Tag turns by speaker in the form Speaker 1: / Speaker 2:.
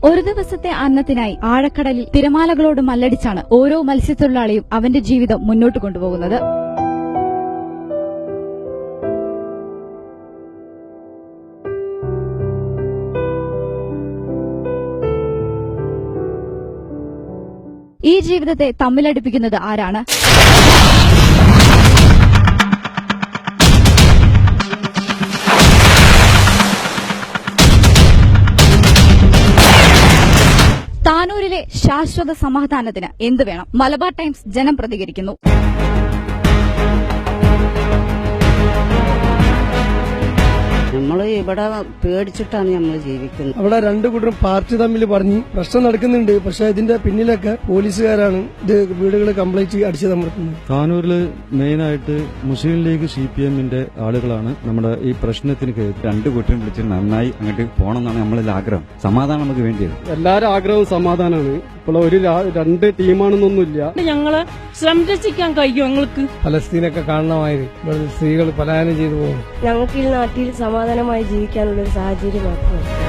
Speaker 1: ഒരു ദിവസത്തെ അന്നത്തിനായി ആഴക്കടലിൽ തിരമാലകളോട് മല്ലടിച്ചാണ് ഓരോ മത്സ്യത്തൊഴിലാളിയും അവന്റെ ജീവിതം മുന്നോട്ട് കൊണ്ടുപോകുന്നത്. ഈ ജീവിതത്തെ തമ്മിലടിപ്പിക്കുന്നത് ആരാണ്? താനൂരിലെ ശാശ്വത സമാധാനത്തിന് എന്ത് വേണം? മലബാർ ടൈംസ് ജനം പ്രതികരിക്കുന്നു.
Speaker 2: നമ്മള് ഇവിടെ പേടിച്ചിട്ടാണ് നമ്മൾ ജീവിക്കുന്നത്.
Speaker 3: അവിടെ രണ്ടു കൂട്ടരും പാർട്ടി തമ്മിൽ പറഞ്ഞ് പ്രശ്നം നടക്കുന്നുണ്ട്. പക്ഷെ ഇതിന്റെ പിന്നിലൊക്കെ പോലീസുകാരാണ് ഇത് വീടുകൾ കംപ്ലീറ്റ് അടിച്ചു തമർത്തുന്നത്.
Speaker 4: താനൂരില് മെയിനായിട്ട് മുസ്ലിം ലീഗ് CPM-ന്റെ ആളുകളാണ് നമ്മുടെ ഈ പ്രശ്നത്തിന്
Speaker 5: രണ്ടു കൂട്ടരും വിളിച്ച് നന്നായി അങ്ങോട്ട് പോകണമെന്നാണ് നമ്മളിൽ ആഗ്രഹം. സമാധാനം നമുക്ക് വേണ്ടിയത്.
Speaker 3: എല്ലാവരും ആഗ്രഹവും സമാധാനമാണ്. ഇപ്പോൾ ഒരു രണ്ട് ടീമാണെന്നൊന്നുമില്ല.
Speaker 6: ഞങ്ങളെ സംരക്ഷിക്കാൻ കഴിയും. ഞങ്ങൾക്ക്
Speaker 3: ഫലസ്തീനൊക്കെ കാണണമായിരുന്നു. സ്ത്രീകൾ പലായനം ചെയ്തു പോകും.
Speaker 7: ഞങ്ങൾക്ക് ഈ നാട്ടിൽ സമാധാനമായി ജീവിക്കാനുള്ള ഒരു സാഹചര്യം മാത്രമാണ്.